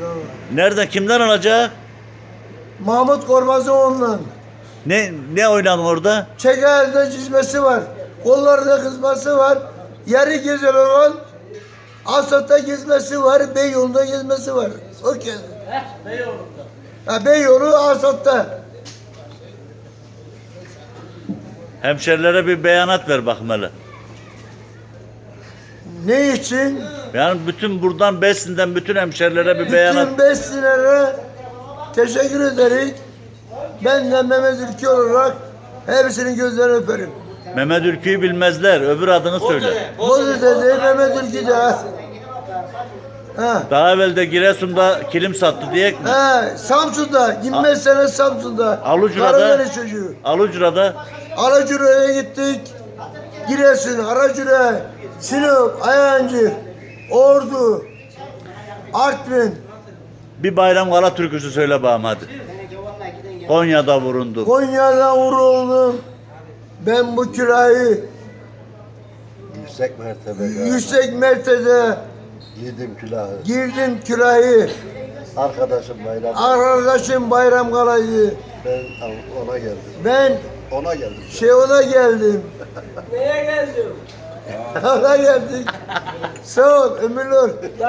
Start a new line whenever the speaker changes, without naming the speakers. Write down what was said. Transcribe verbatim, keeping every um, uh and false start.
Nereden, kimden alacak?
Mahmut Kormazıoğlu'ndan.
Ne ne oynadın orada?
Çeker'de çizmesi var. Kollarda kızması var. Yarı güzel olan Asat'ta gezmesi var. Beyoğlu'nda gezmesi var. O kez.
Beyoğlu'nda.
Ha, Beyoğlu Asat'ta.
Hemşerilere bir beyanat ver bakayım hele.
Ne için?
Yani bütün buradan Besin'den bütün hemşerilere bir beyanat.
Bütün beslilere teşekkür ederim. Ben de Mehmet Ülke olarak hepsinin gözlerini öperim.
Mehmet Ülkü'yü bilmezler. Öbür adını söyle.
Bozu dedi Mehmet Ülke de. Ha.
Daha evvel de Giresun'da kilim sattı diyek mi?
Ha, Samsun'da, yirmi beş sene Samsun'da.
Alucra'da.
Karadeniz çocuğu.
Alucra'da.
Aracura'ya gittik. Giresun, Aracura, Sinop, Ayancı, Ordu, Artvin,
Bir Bayram Kala türküsü söyle bakalım hadi. Konya'da vurundu.
Konya'da vuruldum. Ben bu kirayı
Yüksek mertebe.
yüksek mertebe
Giydim külahı.
girdim kirayı.
Arkadaşım bayram.
Arkadaşım Bayram Kalayı.
Ben ona geldim.
Ben
Ona geldim.
şey ona geldim.
Neye geldin?
Ona geldik. Sağ ol, ömürler.